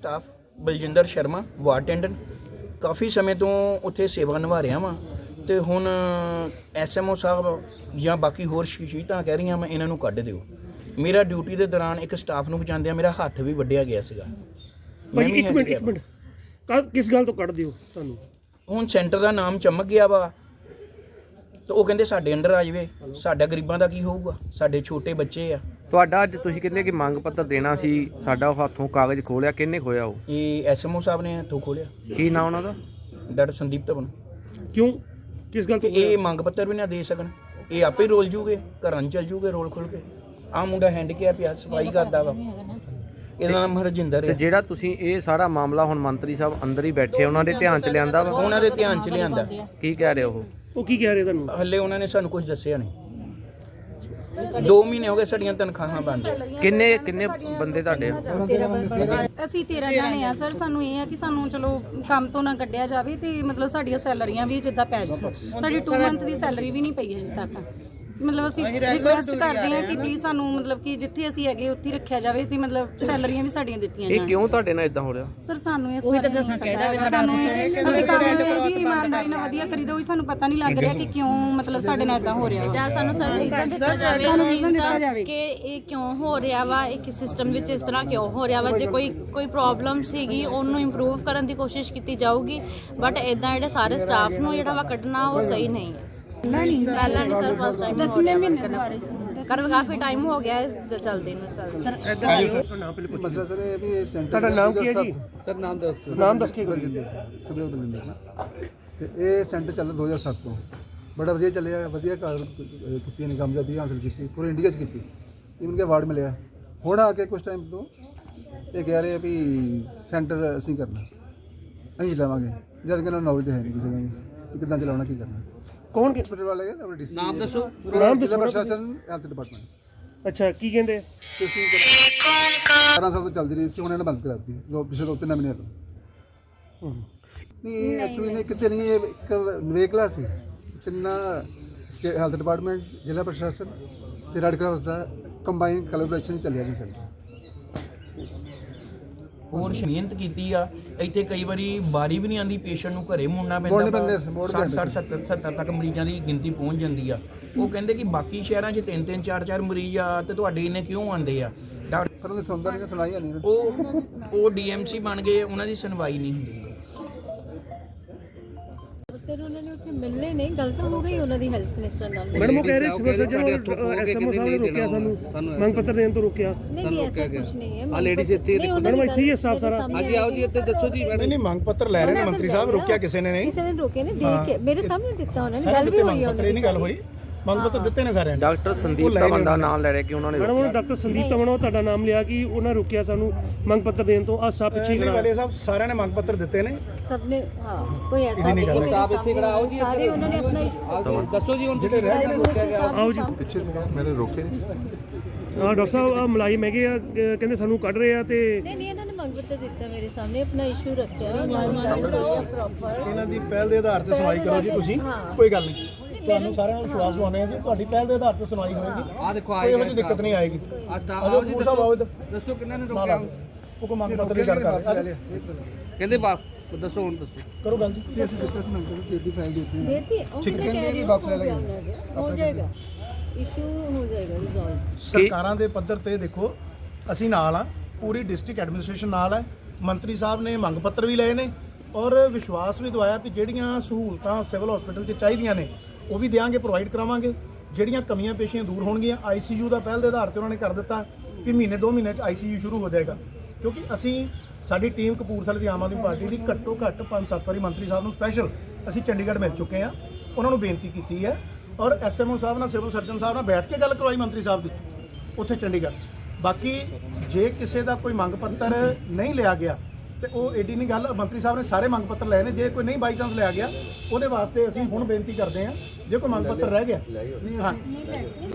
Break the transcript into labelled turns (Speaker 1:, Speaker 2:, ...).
Speaker 1: Staff Baljinder Sharma ward attendant ਕਾਫੀ ਸਮੇਂ ਤੋਂ ਉੱਥੇ ਸੇਵਾ ਨਿਭਾ ਰਿਹਾ ਵਾਂ ਤੇ ਹੁਣ ਐਸਐਮਓ ਸਾਹਿਬ ਜਾਂ ਬਾਕੀ ਹੋਰ ਸ਼ਖਸੀਅਤਾਂ ਕਹਿ ਰਹੀਆਂ ਮੈਂ ਇਹਨਾਂ ਨੂੰ ਕੱਢ ਦਿਓ। ਮੇਰਾ ਡਿਊਟੀ ਦੇ ਦੌਰਾਨ ਇੱਕ ਸਟਾਫ ਨੂੰ ਬਚਾਉਂਦਿਆਂ ਮੇਰਾ ਹੱਥ ਵੀ ਵੱਢਿਆ ਗਿਆ ਸੀਗਾ।
Speaker 2: ਭਾਈ ਇੱਕ ਮਿੰਟ ਕਿਸ ਗੱਲ ਤੋਂ ਕੱਢ ਦਿਓ ਤੁਹਾਨੂੰ? ਹੁਣ
Speaker 1: ਸੈਂਟਰ ਦਾ ਨਾਮ ਚਮਕ ਗਿਆ ਵਾ ਤੇ ਉਹ ਕਹਿੰਦੇ ਸਾਡੇ ਅੰਡਰ ਆ ਜਾਵੇ। ਸਾਡਾ ਗਰੀਬਾਂ ਦਾ ਕੀ ਹੋਊਗਾ? ਸਾਡੇ ਛੋਟੇ ਬੱਚੇ ਆ।
Speaker 3: ਤੁਹਾਡਾ ਅੱਜ ਤੁਸੀਂ ਕਹਿੰਦੇ ਕਿ ਮੰਗ ਪੱਤਰ ਦੇਣਾ ਸੀ, ਸਾਡਾ ਹੱਥੋਂ ਕਾਗਜ਼ ਖੋਲਿਆ, ਕਿਹਨੇ ਖੋਇਆ? ਉਹ
Speaker 1: ਇਹ ਐਸਐਮਓ ਸਾਹਿਬ ਨੇ ਹੱਥੋਂ ਖੋਲਿਆ।
Speaker 3: ਕੀ ਨਾਂ ਉਹਨਾਂ ਦਾ?
Speaker 1: ਡਾਕਟਰ ਸੰਦੀਪ ਧਵਨ।
Speaker 2: ਕਿਉਂ, ਕਿਸ ਗੱਲ ਤੋਂ?
Speaker 1: ਇਹ ਮੰਗ ਪੱਤਰ ਵੀ ਨਾ ਦੇ ਸਕਣ, ਇਹ ਆਪੇ ਰੋਲ ਜੂਗੇ, ਘਰਾਂ 'ਚ ਚੱਲ ਜੂਗੇ ਰੋਲ ਖੁੱਲ ਕੇ। ਆਹ ਮੁੰਡਾ ਹੈਂਡੀਕੈਪ ਆ, ਸਫਾਈ ਕਰਦਾ ਵਾ, ਇਹਦਾ ਨਾਮ ਹਰਜਿੰਦਰ
Speaker 3: ਤੇ
Speaker 1: ਹੈ।
Speaker 3: ਜਿਹੜਾ ਤੁਸੀਂ ਇਹ ਸਾਰਾ ਮਾਮਲਾ ਹੁਣ ਮੰਤਰੀ ਸਾਹਿਬ ਅੰਦਰ ਹੀ ਬੈਠੇ ਉਹਨਾਂ ਦੇ ਧਿਆਨ 'ਚ ਲਿਆਂਦਾ ਵਾ?
Speaker 1: ਉਹਨਾਂ ਦੇ ਧਿਆਨ 'ਚ ਲਿਆਂਦਾ।
Speaker 3: ਕੀ ਕਹਿ ਰਹੇ ਉਹ
Speaker 2: ਕੀ ਕਹਿ ਰਹੇ ਤੁਹਾਨੂੰ?
Speaker 1: ਹੱਲੇ ਉਹਨਾਂ ਨੇ ਸਾਨੂੰ ਕੁਝ ਦੱਸਿਆ ਨਹੀਂ। 2 ਮਹੀਨੇ ਹੋ ਗਏ ਸਾਡੀਆਂ ਤਨਖਾਹਾਂ ਬੰਦ।
Speaker 3: ਕਿੰਨੇ ਬੰਦੇ ਤੁਹਾਡੇ?
Speaker 4: ਅਸੀਂ 13 ਜਾਣੇ ਆ ਸਰ। ਸਾਨੂੰ ਇਹ ਆ ਕਿ ਸਾਨੂੰ ਚਲੋ ਕੰਮ ਤੋਂ ਨਾ ਕੱਢਿਆ ਜਾਵੇ ਤੇ ਮਤਲਬ ਸਾਡੀਆਂ ਸੈਲਰੀਆਂ ਵੀ ਜਿੱਦਾਂ ਪੈ ਜਾਣ। ਸਾਡੀ 2 ਮੰਥ ਦੀ ਸੈਲਰੀ ਵੀ ਨਹੀਂ ਪਈ ਅਜੇ ਤੱਕ। ਮਤਲਬ ਅਸੀਂ ਰਿਕੁਐਸਟ ਕਰਦੇ ਹਾਂ ਕਿ ਪਲੀਜ਼ ਸਾਨੂੰ ਮਤਲਬ ਕਿ ਜਿੱਥੇ ਅਸੀਂ ਹੈਗੇ ਉੱਥੇ ਰੱਖਿਆ ਜਾਵੇ ਤੇ ਮਤਲਬ ਸੈਲਰੀਆਂ ਵੀ ਸਾਡੀਆਂ ਦਿੱਤੀਆਂ ਜਾਣ।
Speaker 3: ਇਹ ਕਿਉਂ ਤੁਹਾਡੇ ਨਾਲ ਇਦਾਂ ਹੋ ਰਿਹਾ?
Speaker 4: ਸਰ ਸਾਨੂੰ ਇਸ ਬਾਰੇ ਦੱਸਣਾ ਚਾਹੀਦਾ ਹੈ। ਸਾਨੂੰ ਅਸੀਂ ਕੰਮ ਦੀ ਇਮਾਨਦਾਰੀ ਨਾਲ ਵਧੀਆ ਕਰੀਦਾ, ਉਹੀ ਸਾਨੂੰ ਪਤਾ ਨਹੀਂ ਲੱਗ ਰਿਹਾ ਕਿ ਕਿਉਂ ਮਤਲਬ ਸਾਡੇ ਨਾਲ ਇਦਾਂ ਹੋ ਰਿਹਾ।
Speaker 5: ਜਾਂ ਸਾਨੂੰ ਰੀਜ਼ਨ ਦਿੱਤਾ ਜਾਵੇ ਕਿ ਇਹ ਕਿਉਂ ਹੋ ਰਿਹਾ ਵਾ, ਇੱਕ ਸਿਸਟਮ ਵਿੱਚ ਇਸ ਤਰ੍ਹਾਂ ਕਿਉਂ ਹੋ ਰਿਹਾ ਵਾ। ਜੇ ਕੋਈ ਪ੍ਰੋਬਲਮ ਸੀਗੀ ਉਹਨੂੰ ਇੰਪਰੂਵ ਕਰਨ ਦੀ ਕੋਸ਼ਿਸ਼ ਕੀਤੀ ਜਾਊਗੀ, ਬਟ ਇਦਾਂ ਜਿਹੜੇ ਸਾਰੇ ਸਟਾਫ ਨੂੰ ਜਿਹੜਾ ਵਾ ਕੱਢਣਾ ਉਹ ਸਹੀ ਨਹੀਂ ਹੈ। ਪਹਿਲਾਂ ਨਹੀਂ ਸਰ, ਫਸਟ ਟਾਈਮ 10ਵੇਂ ਮਹੀਨੇ ਕਰ ਕਾਫੀ ਟਾਈਮ ਹੋ ਗਿਆ ਇਸ ਚੱਲਦੇ ਨੂੰ ਸਰ।
Speaker 6: ਮਸਲਾ ਸਰ ਇਹ ਵੀ ਸੈਂਟਰ
Speaker 2: ਤੁਹਾਡਾ ਨਾਮ ਕੀ ਹੈ ਜੀ?
Speaker 6: ਸਰ ਨਾਮ ਦੱਸ ਕੇ ਬਲਜਿੰਦਰ ਤੇ ਇਹ ਸੈਂਟਰ ਚੱਲ 2007 ਤੋਂ ਬੜਾ ਵਧੀਆ ਚੱਲਿਆ, ਵਧੀਆ ਕੀਤੀ ਨੇ, ਕਾਮਯਾਬੀ ਹਾਸਲ ਕੀਤੀ, ਪੂਰੇ ਇੰਡੀਆ 'ਚ ਕੀਤੀ। ਇਵਨ ਕਿ ਅਵਾਰਡ ਮਿਲਿਆ। ਹੁਣ ਆ ਕੇ ਕੁਝ ਟਾਈਮ ਤੋਂ ਇਹ ਕਹਿ ਰਹੇ ਆ ਵੀ ਸੈਂਟਰ ਅਸੀਂ ਕਰਨਾ, ਅਸੀਂ ਚਲਾਵਾਂਗੇ, ਜਦ ਕਿ ਇਹਨਾਂ ਨੂੰ ਨੌਲੇਜ ਹੈ ਨਹੀਂ ਕਿਸੇ ਨੂੰ ਵੀ ਕਿੱਦਾਂ ਚਲਾਉਣਾ, ਕੀ ਕਰਨਾ।
Speaker 2: ਕੌਣ
Speaker 6: ਹਸਪੀਟਲ ਵਾਲੇ ਆਪਣੇ ਡੀਸੀ
Speaker 3: ਨਾਮ ਦੱਸੋ।
Speaker 6: ਨਾਮ ਦੱਸੋ। ਪ੍ਰਸ਼ਾਸਨ ਹੈਲਥ ਡਿਪਾਰਟਮੈਂਟ।
Speaker 2: ਅੱਛਾ, ਕੀ ਕਹਿੰਦੇ?
Speaker 6: ਤੁਸੀਂ 12 ਸਾਲ ਤੋਂ ਚੱਲਦੀ ਰਹੀ ਸੀ, ਹੁਣ ਇਹਨਾਂ ਨੇ ਬੰਦ ਕਰਾ ਦਿੱਤੀ ਪਿਛਲੇ 2-3 ਮਹੀਨਿਆਂ ਤੋਂ। ਨਹੀਂ ਇਹ ਐਕਚੁਅਲੀ ਨੇ ਕਿਤੇ ਨਹੀਂ, ਇਹ ਇੱਕ ਨਿਵੇਕਲਾ ਸੀ। ਤਿੰਨਾਂ ਹੈਲਥ ਡਿਪਾਰਟਮੈਂਟ, ਜ਼ਿਲ੍ਹਾ ਪ੍ਰਸ਼ਾਸਨ ਤੇ ਰੈੱਡ ਕਰਾਸ ਦਾ ਕੰਬਾਈਨ ਕੋਲੈਬੋਰੇਸ਼ਨ ਚੱਲਿਆ ਜੀ ਸੈਂਟਰ।
Speaker 1: ਹੋਰ ਮਿਹਨਤ ਕੀਤੀ ਆ। ਇੱਥੇ ਕਈ ਵਾਰੀ ਵਾਰੀ ਵੀ ਨਹੀਂ ਆਉਂਦੀ, ਪੇਸ਼ੈਂਟ ਨੂੰ ਘਰੇ ਮੁੜਨਾ ਪੈਂਦਾ। 60-70 ਤੱਕ ਮਰੀਜ਼ਾਂ ਦੀ ਗਿਣਤੀ ਪਹੁੰਚ ਜਾਂਦੀ ਆ। ਉਹ ਕਹਿੰਦੇ ਕਿ ਬਾਕੀ ਸ਼ਹਿਰਾਂ 'ਚ 3-3 4-4 ਮਰੀਜ਼ ਆ ਤੇ ਤੁਹਾਡੇ ਇਹਨੇ ਕਿਉਂ ਆਉਂਦੇ ਆ?
Speaker 6: ਪਰ ਉਹਨੇ ਸੁਣਦਾ ਨਹੀਂ, ਸੁਣਾਈ ਨਹੀਂ।
Speaker 1: ਉਹ ਡੀਐਮਸੀ ਬਣ ਗਏ, ਉਹਨਾਂ ਦੀ ਸੁਣਵਾਈ ਨਹੀਂ ਹੁੰਦੀ।
Speaker 5: ਉਹਨਾਂ ਨੇ ਉੱਥੇ ਮਿਲਨੇ ਨਹੀਂ, ਗਲਤ ਹੋ ਗਈ ਉਹਨਾਂ ਦੀ ਹੈਲਥ ਮਿਨਿਸਟਰ ਨਾਲ।
Speaker 2: ਮੈਡਮ ਉਹ ਕਹਿ ਰਹੇ ਸਿਵਲ ਸਰਜਨ ਐਸਐਮਓ ਸਾਹਿਬ ਨੇ ਰੋਕਿਆ ਸਾਨੂੰ, ਮੰਗ ਪੱਤਰ ਦੇਣ ਤੋਂ ਰੋਕਿਆ।
Speaker 5: ਨਹੀਂ ਐਸਾ ਕੁਝ ਨਹੀਂ ਹੈ।
Speaker 3: ਆ ਲੇਡੀਜ਼ ਇੱਥੇ
Speaker 2: ਮੈਡਮ ਇੱਥੇ ਹੀ ਹੈ ਸਟਾਫ ਸਾਰਾ।
Speaker 3: ਹਾਂਜੀ ਆਓ ਜੀ, ਇੱਥੇ ਦੱਸੋ ਜੀ।
Speaker 7: ਨਹੀਂ ਮੰਗ ਪੱਤਰ ਲੈ ਰਹੇ ਨੇ ਮੰਤਰੀ ਸਾਹਿਬ, ਰੋਕਿਆ ਕਿਸੇ ਨੇ ਨਹੀਂ।
Speaker 5: ਕਿਸੇ ਨੇ ਰੋਕਿਆ ਨਹੀਂ, ਦੇਖ ਕੇ ਮੇਰੇ ਸਾਹਮਣੇ ਦਿੱਤਾ ਉਹਨਾਂ ਨੇ, ਗੱਲ ਵੀ ਹੋਈ ਉਹਨਾਂ ਦੀ।
Speaker 7: ਨਹੀਂ ਗੱਲ ਹੋਈ, ਮੰਗ ਪੱਤਰ ਦਿੱਤੇ ਨੇ ਸਾਰਿਆਂ ਨੇ।
Speaker 3: ਡਾਕਟਰ ਸੰਦੀਪ ਧਵਨ ਦਾ ਨਾਮ ਲੈ ਰਿਹਾ ਕਿ ਉਹਨਾਂ ਨੇ
Speaker 2: ਮੈਡਮ ਉਹ ਡਾਕਟਰ ਸੰਦੀਪ ਧਵਨ ਉਹ ਤੁਹਾਡਾ ਨਾਮ ਲਿਆ ਕਿ ਉਹਨਾਂ ਰੋਕਿਆ ਸਾਨੂੰ ਮੰਗ ਪੱਤਰ ਦੇਣ ਤੋਂ। ਆ ਸਭ ਪਿੱਛੇ
Speaker 7: ਨਹੀਂ ਵਾਲੇ ਸਾਹਿਬ ਸਾਰਿਆਂ ਨੇ ਮੰਗ ਪੱਤਰ ਦਿੱਤੇ ਨੇ।
Speaker 5: ਸਭ ਨੇ ਹਾਂ, ਕੋਈ ਐਸਾ ਨਹੀਂ ਹੈ। ਸਾਰੇ ਉਹਨਾਂ ਨੇ ਆਪਣਾ ਇਸ਼ੂ
Speaker 3: ਦੱਸੋ ਜੀ। ਹੁਣ
Speaker 7: ਜਿਹੜੇ ਰਹਿ ਗਏ ਰੋਕਿਆ ਗਿਆ।
Speaker 2: ਆਓ ਜੀ
Speaker 6: ਪਿੱਛੇ ਸੀਗਾ, ਮੈंने ਰੋਕੇ ਨਹੀਂ।
Speaker 2: ਹਾਂ ਡਾਕਟਰ ਸਾਹਿਬ ਆ ਮੁਲਾਜ਼ਮ ਹੈਗੇ ਆ, ਕਹਿੰਦੇ ਸਾਨੂੰ ਕੱਢ ਰਹੇ ਆ ਤੇ
Speaker 5: ਨਹੀਂ ਇਹਨਾਂ ਨੇ ਮੰਗ ਪੱਤਰ ਦਿੱਤਾ ਮੇਰੇ ਸਾਹਮਣੇ, ਆਪਣਾ ਇਸ਼ੂ ਰੱਖਿਆ, ਨਾਲ ਗੱਲ ਹੋਈ ਪ੍ਰੋਪਰ।
Speaker 7: ਇਹਨਾਂ ਦੀ ਪਹਿਲ ਦੇ ਆਧਾਰ ਤੇ ਸੁਣਵਾਈ ਕਰੋ ਜੀ ਤੁਸੀਂ, ਕੋਈ ਗੱਲ ਨਹੀਂ। ਤੁਹਾਨੂੰ ਸਾਰਿਆਂ ਨੂੰ ਵਿਸ਼ਵਾਸ ਦਿਵਾਉਂਦੇ ਆ ਜੀ, ਤੁਹਾਡੀ ਪਹਿਲ ਦੇ ਆਧਾਰ ਤੇ ਸੁਣਵਾਈ ਹੋਏਗੀ।
Speaker 3: ਆ ਦੇਖੋ
Speaker 7: ਕੋਈ ਇਹੋ ਜਿਹੀ ਦਿੱਕਤ ਨਹੀਂ ਆਏਗੀ। ਆਜੋ ਪੂਰ ਸਾਹਿਬ ਆਓ ਇੱਧਰ।
Speaker 3: ਦੱਸੋ ਕਿੰਨਾਂ ਨੇ
Speaker 7: ਨਾਲ ਆਓ। ਉਹ ਕੋ ਮੰਗ ਪੱਤਰ ਦੀ ਗੱਲ ਕਰ ਰਹੇ।
Speaker 3: ਕਹਿੰਦੇ ਦੱਸੋ ਹੁਣ ਦੱਸੋ।
Speaker 7: ਕਰੋ ਗੱਲ ਜੀ।
Speaker 6: ਅਸੀਂ ਦਿੱਤਾ ਸੀ ਮੰਗ ਪੱਤਰ ਦੀ ਫਾਈਲ ਦਿੱਤੀ
Speaker 5: देती है
Speaker 6: ठीक है, कहने की वापस ले लेंगे।
Speaker 5: हो जाएगा, इशू हो जाएगा रिजॉल्व।
Speaker 7: ਸਰਕਾਰਾਂ ਦੇ ਪੱਧਰ ਤੇ ਦੇਖੋ ਅਸੀਂ ਨਾਲ ਆ, ਪੂਰੀ ਡਿਸਟ੍ਰਿਕਟ ਐਡਮਿਨਿਸਟ੍ਰੇਸ਼ਨ ਨਾਲ ਹੈ। ਮੰਤਰੀ ਸਾਹਿਬ ਨੇ ਮੰਗ ਪੱਤਰ ਵੀ ਲਏ ਨੇ ਔਰ ਵਿਸ਼ਵਾਸ ਵੀ ਦਵਾਇਆ ਕਿ ਜਿਹੜੀਆਂ ਸਹੂਲਤਾਂ ਸਿਵਲ ਹਸਪੀਟਲ 'ਚ ਚਾਹੀਦੀਆਂ ਨੇ ਉਹ ਵੀ ਦਿਆਂਗੇ, ਪ੍ਰੋਵਾਈਡ ਕਰਾਵਾਂਗੇ। ਜਿਹੜੀਆਂ ਕਮੀਆਂ ਪੇਸ਼ੀਆਂ ਦੂਰ ਹੋਣਗੀਆਂ। ਆਈਸੀਯੂ ਦਾ ਪਹਿਲ ਦੇ ਆਧਾਰ ਤੇ ਉਹਨਾਂ ਨੇ ਕਰ ਦਿੱਤਾ ਕਿ ਮਹੀਨੇ 2 ਮਹੀਨੇ 'ਚ ਆਈਸੀਯੂ ਸ਼ੁਰੂ ਹੋ ਜਾਏਗਾ। ਕਿਉਂਕਿ ਅਸੀਂ ਸਾਡੀ ਟੀਮ ਕਪੂਰਥਲੇ ਦੀ ਆਮ ਆਦਮੀ ਪਾਰਟੀ ਦੀ ਘੱਟੋ ਘੱਟ 5-7 ਵਾਰੀ ਮੰਤਰੀ ਸਾਹਿਬ ਨੂੰ ਸਪੈਸ਼ਲ ਅਸੀਂ ਚੰਡੀਗੜ੍ਹ ਮਿਲ ਚੁੱਕੇ ਹਾਂ, ਉਹਨਾਂ ਨੂੰ ਬੇਨਤੀ ਕੀਤੀ ਹੈ ਔਰ ਐਸਐਮਓ ਸਾਹਿਬ ਨਾਲ, ਸਿਵਲ ਸਰਜਨ ਸਾਹਿਬ ਨਾਲ ਬੈਠ ਕੇ ਗੱਲ ਕਰਵਾਈ ਮੰਤਰੀ ਸਾਹਿਬ ਦੀ ਉੱਥੇ ਚੰਡੀਗੜ੍ਹ। ਬਾਕੀ ਜੇ ਕਿਸੇ ਦਾ ਕੋਈ ਮੰਗ ਪੱਤਰ ਨਹੀਂ ਲਿਆ ਗਿਆ ਤੇ ਉਹ ਏਡੀ ਨਹੀਂ ਗੱਲ, ਮੰਤਰੀ ਸਾਹਿਬ ਨੇ ਸਾਰੇ ਮੰਗ ਪੱਤਰ ਲਏ ਨੇ। ਜੇ ਕੋਈ ਨਹੀਂ ਬਾਈ ਚਾਂਸ ਲਿਆ ਗਿਆ ਉਹਦੇ ਵਾਸਤੇ ਅਸੀਂ ਹੁਣ ਬੇਨਤੀ ਕਰਦੇ ਹਾਂ, ਜੇ ਕੋਈ ਮੰਗ ਪੱਤਰ ਰਹਿ ਗਿਆ
Speaker 6: ਨਹੀਂ ਅਸੀਂ